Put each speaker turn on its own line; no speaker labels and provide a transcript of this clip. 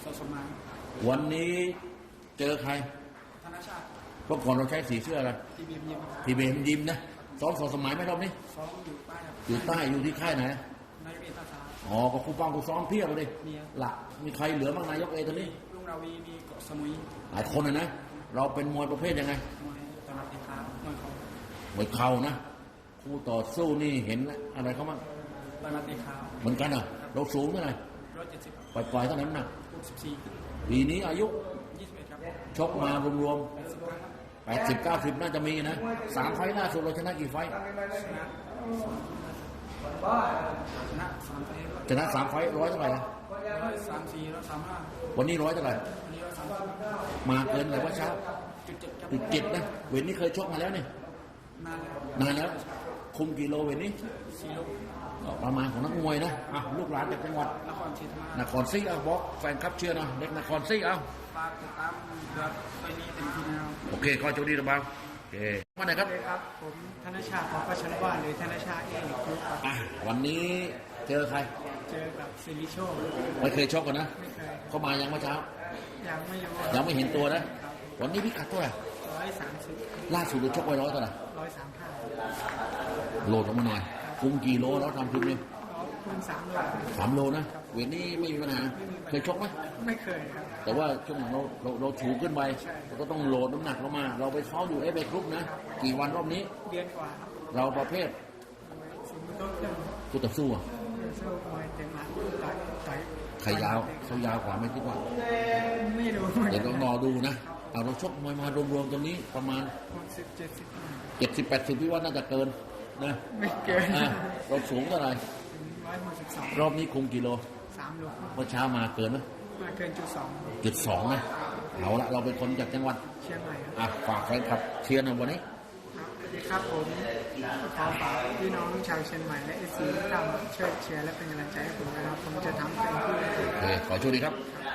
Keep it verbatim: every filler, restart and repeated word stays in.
อสมาน
วันนี้เจอใคร
ธนชาติ
เมื่อก่อนเราใช้สีเสื้ออะไร
ทีบีเอ็มยิม
ทีเบมยิมนะซ้อมสอสมัยไหมรอบนี้
ซ้อมอยู่ใต้
อยู่ใต้อยู่ที่ค่ายไหน
นายกเอตาชา
อ๋อก็ครูป้องครูซ้อมเพียบเลยหลักมีใครเหลือบ้างนายกเอตอนนี้
ลุงราวีมีเกาะสมุย
หลายคนนะนะเราเป็นมวยประเภทยังไง
มวยตลาดติดตามมวยเขา
มวยเข่านะคู่ต่อสู้นี่เห็นอะไรเขาบ้าง
ตลาดติดตาม
เหมือนกันเหรอเราสูงเท่าไหร่
ร้อยเจ็ดสิบ
ปล่อยๆเท่านั้นนะ
หกสิบสี่
ปีนี้อายุ
ยี่สิบเอ็ดครับ
ชกมารวมๆแปดสิบเก้าสิบน่าจะมีนะสามไฟล่าสุดเราชนะกี่ไฟ
ชนะชนะสามไฟ
ชนะสามไฟร้อยเท่าไหร่นะ
ร้อยสามสี่ร้อยสามห้า
วันนี้ร้อยเท่าไหร่
วันนี้ร้อยสามสิบ
มาเกินเลยว่าเช้า
จุดเจ็ดครับ
จุดเจ็ดนะเวทนี้เคยชกมาแล้วนี่
นานแล้ว
นานแล้วคุมกิโลเวทนี้
สี่โล
ประมาณของนักมวยนะอ่ะลูกหลานจากจังหวัด
นครศรีธรรมราช
นครศรีเอาบอกแฟนคลับเชียร์นะเด็กนครศรีเอา
ฝากติดตามเดือนไปนี้เป็นทีนะครับ
โอเคขอโชคดีนะบ้างโอเคมาไหนครับ
ครับผมธนชาติของประชันบ้านหรือธนชาติเองครับ
อ่ะวันนี้เจอใคร
เจอกับซิลิโช
ไม่เคยชกกันนะ
ไม่เคย
เขามายังเมื่อเช้า
ยังไม่รู้
ยังไม่เห็นตัวนะวันนี้พิกัดเท่าไหร่
ร้อยสามสิบ
ล่าสุดเราชกไว้ร้อยเท่าไหร่
ร้อยสามห้า
โหลดลงมาหน่อยคุมกี่โลแล้วทำคุมเนี่ย
คุมสามโล
สามโลนะเวทนี้ไม่มีปัญหาเคยชกไหม
ไม่เคยครับ
แต่ว่าช่วงหลังเราเราเราถูขึ้นไปเราก็ต้องโหลดน้ำหนักลงมาเราไปซ้อมอยู่เอฟเอครุปนะกี่วันรอบนี้
เดือนกว่า
เราประเภทคู่ต่อสู้อ่ะใครยาวเขายาวกว่าไม่คิดว่า
ไม่รู้
เดี๋ยวต้องรอดูนะเอาเราชกมวยมารวมๆตรงนี้ประมาณ
สิบเจ็ดสิบ
เจ็ดสิบแปดสิบพี่ว่าน่าจะเกินนะ
ไม่เกิน
เราสูงเท่าไหร่
ร้อยหกสิบสอง
รอบนี้คุมกิโล
สามโล
เมื่อเช้ามาเกินไหม
มาเกินจุดสอง
จุดสองนะเอาละเราเป็นคนจากจังหวัด
เชียงใหม่
อ่ะฝากแฟนคลับเชียร์หน่อยวันนี้
สวัสดีครับผมขอฝากพี่น้องชาวเชียงใหม่และเอซีทุกท่านช่วยเชียร์และเป็นกำลังใจให้ผมนะครับผมจะทำเต็มที่
โอเคขอโชคดีครับ